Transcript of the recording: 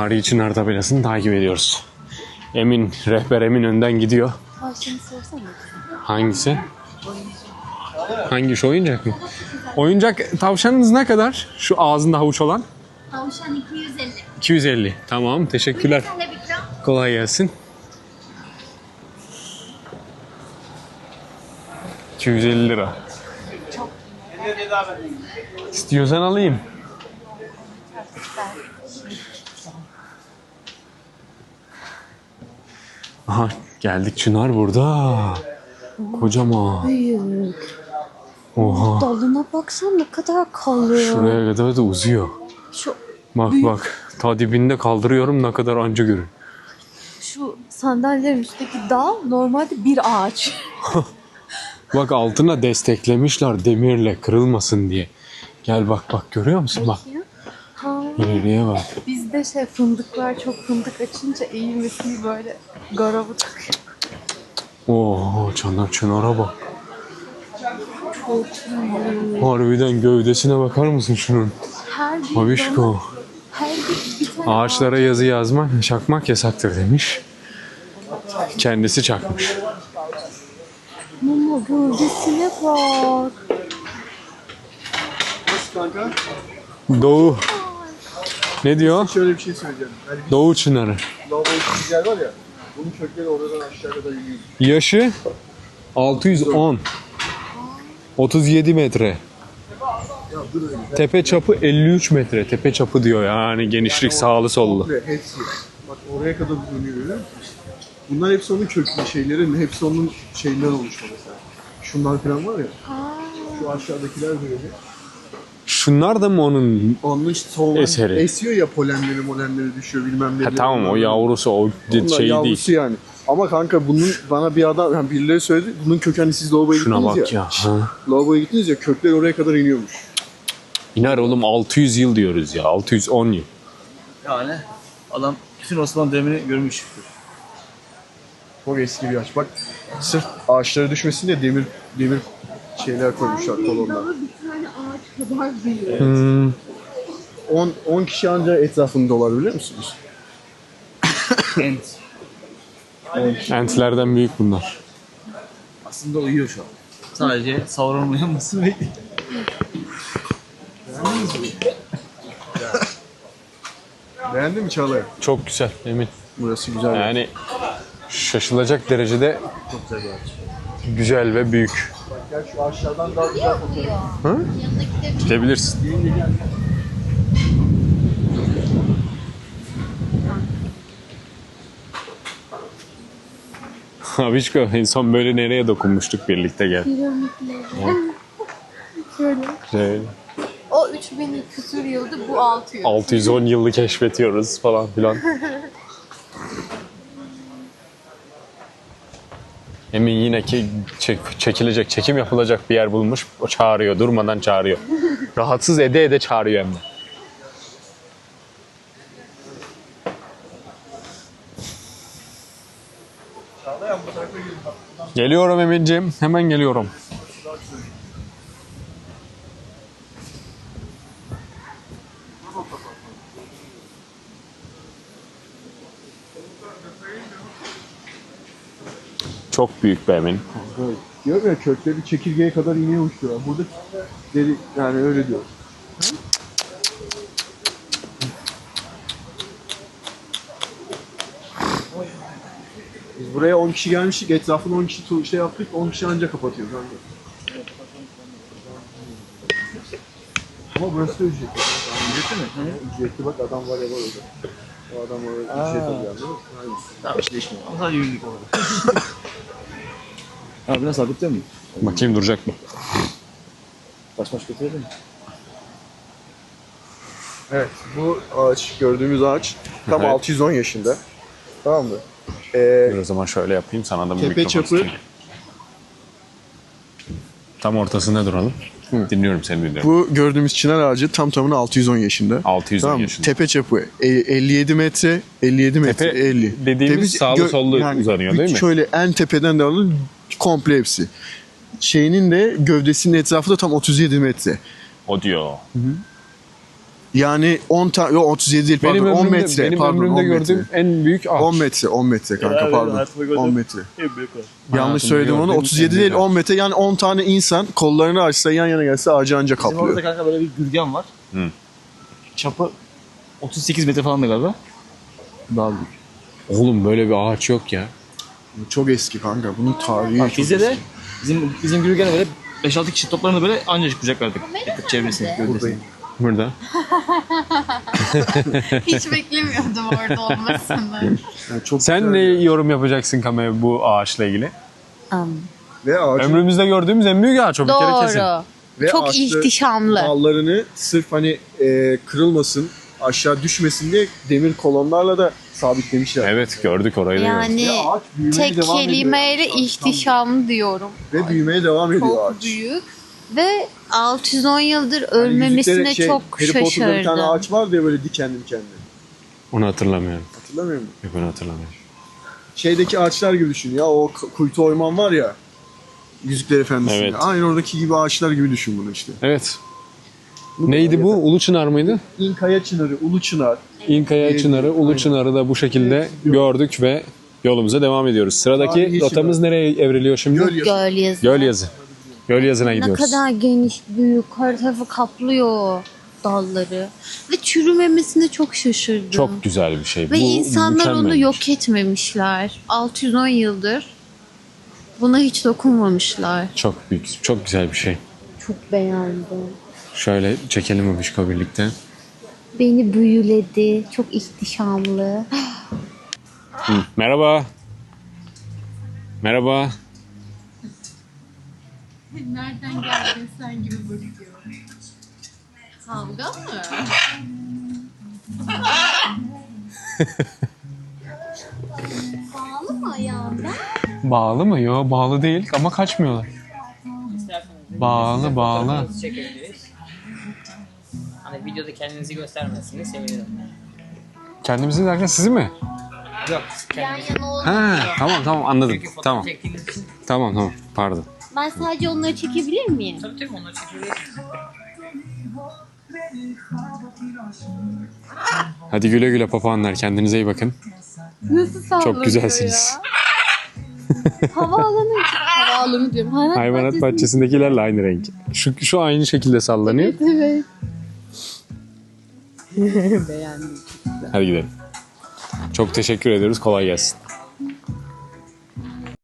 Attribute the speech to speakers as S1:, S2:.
S1: Tarihi Çınar tabelasını takip ediyoruz. Emin, rehber Emin önden gidiyor.
S2: Şimdi sorsana.
S1: Hangisi? Hangi şu oyuncak mı? Oyuncak tavşanınız ne kadar? Şu ağzında havuç olan?
S2: Tavşan 250.
S1: 250. Tamam, teşekkürler. Kolay gelsin. 250 lira. İstiyorsan alayım. Aha, geldik, Çınar burada. Kocaman.
S2: Büyük.
S1: Oha.
S2: Dalına baksan ne kadar kalıyor.
S1: Şuraya kadar da uzuyor.
S2: Şu
S1: Bak
S2: büyük.
S1: bak. Ta dibinde kaldırıyorum, ne kadar anca görün.
S2: Şu sandalyelerin üstteki dal normalde bir ağaç.
S1: Bak altına desteklemişler demirle, kırılmasın diye. Gel bak bak, görüyor musun? Bak.
S2: Ha,
S1: İleriye bak.
S2: bizde fındıklar çok fındık açınca eğilmesini böyle garabı takıyor.
S1: Oo, Çınar'a bak.
S2: Çok iyi.
S1: Harbiden gövdesine bakar mısın şunun?
S2: Her bir
S1: Babişko.
S2: dala- her bir tane
S1: Ağaçlara yazı yazmak, çakmak yasaktır demiş. Kendisi çakmış.
S2: Mama gövdesine bak.
S3: Nasıl kanka?
S1: Doğu. Ne diyor?
S3: Şöyle bir şey söyleyeceğim. Hani bir
S1: Doğu Çınarı.
S3: lavaboya yer var ya, bunun kökleri oradan aşağı kadar yürüyor.
S1: Yaşı 610. 37 metre.
S3: Ya dur öyle.
S1: Tepe çapı 53 metre. Tepe çapı diyor yani, genişlik sağlı sollu.
S3: Komple hepsi. Bak oraya kadar uzanıyor görüyor musun? Bunlar hepsi onun köklü şeylerin, hepsi onun şeyinden oluşma mesela. Şunlar falan var ya, şu aşağıdakiler böyle.
S1: Şunlar da mı onun?
S3: Onun işte soğulan
S1: Eseri.
S3: esiyor ya, polenleri düşüyor bilmem ne.
S1: Ha, tamam, o yavrusu, o şey
S3: yavrusu
S1: değil.
S3: yani. Ama kanka bunun bana bir adam, yani birileri söyledi, bunun kökü hani siz lavaboya
S1: Şuna
S3: gittiniz
S1: bak ya.
S3: ya.
S1: Ha.
S3: Lavaboya gittiniz ya, kökler oraya kadar iniyormuş.
S1: İner oğlum, 600 yıl diyoruz ya. 610 yıl.
S4: Yani adam bütün Osmanlı dönemini görmüş.
S3: Çok eski bir ağaç. Bak sırf ağaçlara düşmesin diye demir şeyler koymuşlar, kolonlar.
S2: dalı bir tane ağaç kadar büyük.
S3: 10 kişi anca etrafında dolar, biliyor musunuz?
S4: Ent.
S1: Entlerden büyük bunlar.
S4: Aslında uyuyor şu an. Sadece Sauron'un uyanmasını bekliyor.
S3: Beğendin mi Çağlayan?
S1: Çok güzel, Emin.
S3: Burası güzel.
S1: Yani şaşılacak derecede
S4: Çok güzel bir ağaç.
S1: güzel ve büyük.
S3: Gel şu aşağıdan daha güzel fotoğraf.
S1: Ha? Gidebilirsin. Abişko, en son böyle nereye dokunmuştuk birlikte, gel.
S2: Piramitleri. Şöyle.
S1: Şey,
S2: O 3000 küsur yıldı, bu 600.
S1: 610 yılı keşfetiyoruz falan filan. Emin yine ki çekilecek, çekim yapılacak bir yer bulmuş. O çağırıyor, durmadan çağırıyor. Rahatsız ede ede çağırıyor hem de. Geliyorum Emin'ciğim, hemen geliyorum. Çok büyük be Emin.
S3: Evet. Diyorum ya, kökleri çekirgeye kadar iniyormuş diyor. Burada deri, yani öyle diyor. Biz buraya 10 kişi gelmiştik, etrafını 10 kişi şey yaptık, 10 kişi anca kapatıyor kanka. Ama burası da ücretli.
S4: Ücretli mi?
S3: Ücretli, bak adam var ya, var orada. O adam orada ücret alıyor, değil mi? Aynen.
S4: Tamam işte değişmiyor. Ama sadece yürüdük orada. Abi biraz sabit değil mi?
S1: Bakayım duracak mı?
S4: Baş götürelim mi?
S3: Evet, bu ağaç, gördüğümüz ağaç tam
S1: Evet.
S3: 610 yaşında. Tamam mı?
S1: Dur o zaman şöyle yapayım, sana da bir
S3: Tepe
S1: mikrofon
S3: çapı-
S1: tutayım. Tam ortasında duralım. Dinliyorum seni, dinliyorum.
S3: Bu gördüğümüz çınar ağacı tam tamına 610 yaşında.
S1: 610
S3: Tamam mı?
S1: yaşında.
S3: Tepe çapı 57 metre, 57 metre,
S1: Tepe
S3: 50.
S1: dediğimiz sağlı sollu uzanıyor, değil mi?
S3: Şöyle en tepeden de alın, komple hepsi. Şeyinin de gövdesinin etrafı da tam 37 metre.
S1: O diyor.
S3: Yani 10 tane, yok 37 değil pardon, 10 metre.
S1: benim
S3: Pardon,
S1: ömrümde
S3: 10 metre.
S1: gördüğüm en büyük ağaç.
S3: 10 metre, 10 metre kanka
S4: Herhalde
S3: pardon.
S4: hayatımda gördüğüm
S3: 10 metre.
S4: En büyük o.
S3: Yanlış
S1: Hayatımda
S3: söyledim onu.
S1: gördüğüm
S3: 37
S1: en
S3: değil
S1: büyük
S3: 10 metre. Yani 10 tane insan kollarını açsa yan yana gelse ağacı anca
S4: Bizim orada
S3: kaplıyor.
S4: kanka böyle bir gürgen var.
S1: Hı.
S4: Çapı 38 metre falan da galiba. Daha büyük.
S1: Oğlum böyle bir ağaç yok ya.
S3: Çok eski kanka. Bunun tarihi
S4: Bak
S3: çok
S4: bizde
S3: eski.
S4: de bizim gürgene böyle 5-6 kişi toplarında böyle anca kucaklardık. Çevresini.
S3: Buradayım.
S1: Burada.
S2: Hiç beklemiyordum orada olmasını.
S3: Yani çok
S1: Sen
S3: güzel
S1: ne
S3: ya.
S1: yorum yapacaksın Kamaya bu ağaçla ilgili?
S3: Ve ağacın,
S1: Ömrümüzde gördüğümüz en büyük ağaç o bir kere kesin.
S2: Doğru.
S3: ve
S2: Çok
S3: ağaçta
S2: ihtişamlı.
S3: dallarını sırf hani kırılmasın, aşağı düşmesin diye demir kolonlarla da sabitlemişler.
S1: Evet gördük orayı da gördük.
S2: Yani
S3: Ve ağaç büyümeye
S2: tek
S3: devam ediyor
S2: kelimeyle
S3: yani.
S2: ihtişamlı diyorum.
S3: Ve büyümeye devam ediyor
S2: Çok
S3: ağaç.
S2: büyük ve 610 yıldır
S3: Hani
S2: ölmemesine
S3: yüzükleri
S2: çok
S3: Harry Potter'da bir tane
S2: şaşırdım.
S3: ağaç var diye böyle dikenli.
S1: Onu hatırlamıyorum.
S3: Hatırlamıyor musun?
S1: Yok onu hatırlamıyorum.
S3: Şeydeki ağaçlar gibi düşün ya. O kuytu oyman var ya. Yüzükler Efendisi'nde.
S1: Evet.
S3: Aynı oradaki gibi ağaçlar gibi düşün bunu işte.
S1: Evet. Neydi bu? Ulu Çınar mıydı?
S3: İnkaya Çınarı, Ulu Çınar.
S1: İnkaya Çınarı, Ulu Çınar'ı da bu şekilde gördük ve yolumuza devam ediyoruz. Sıradaki
S3: Tarihi
S1: rotamız
S3: Çınar.
S1: nereye evriliyor şimdi?
S3: Göl yazı.
S2: Gölyazı.
S1: Gölyazı. Gölyazı'na
S2: Ne
S1: gidiyoruz.
S2: kadar geniş, büyük, her tarafı kaplıyor dalları. Ve çürümemesine çok şaşırdım.
S1: Çok güzel bir şey.
S2: Ve
S1: bu
S2: insanlar onu
S1: mükemmel.
S2: yok etmemişler. 610 yıldır buna hiç dokunmamışlar.
S1: Çok büyük, çok güzel bir şey.
S2: Çok beğendim.
S1: Şöyle çekelim Abişko birlikte.
S2: Beni büyüledi. Çok ihtişamlı.
S1: Merhaba. Merhaba.
S2: Nereden geldin sen gibi bakıyor. Kavga mı? Bağlı mı ayağında?
S1: Bağlı mı? Yok bağlı değil ama kaçmıyorlar. Bağlı bağlı.
S5: Çekebiliriz. Hani videoda kendinizi göstermezsiniz sevinirim.
S1: Kendimizi derken sizi mi?
S5: Yok.
S2: Yan yana oldu.
S1: Ha tamam anladım.
S5: Çünkü fotoğraf
S1: Tamam.
S5: çektiğiniz için.
S1: Tamam pardon.
S2: Ben sadece onları çekebilir miyim?
S5: Tabii onları çekebilirsiniz.
S1: Hadi güle güle papağanlar kendinize iyi bakın.
S2: Nasıl sallanıyor
S1: Çok güzelsiniz.
S2: ya? Havaalanı diyorum.
S1: Hayvanat bahçesindekilerle aynı renk. Şu aynı şekilde sallanıyor.
S2: Evet.
S1: Hadi gidelim. Çok teşekkür ediyoruz. Kolay gelsin.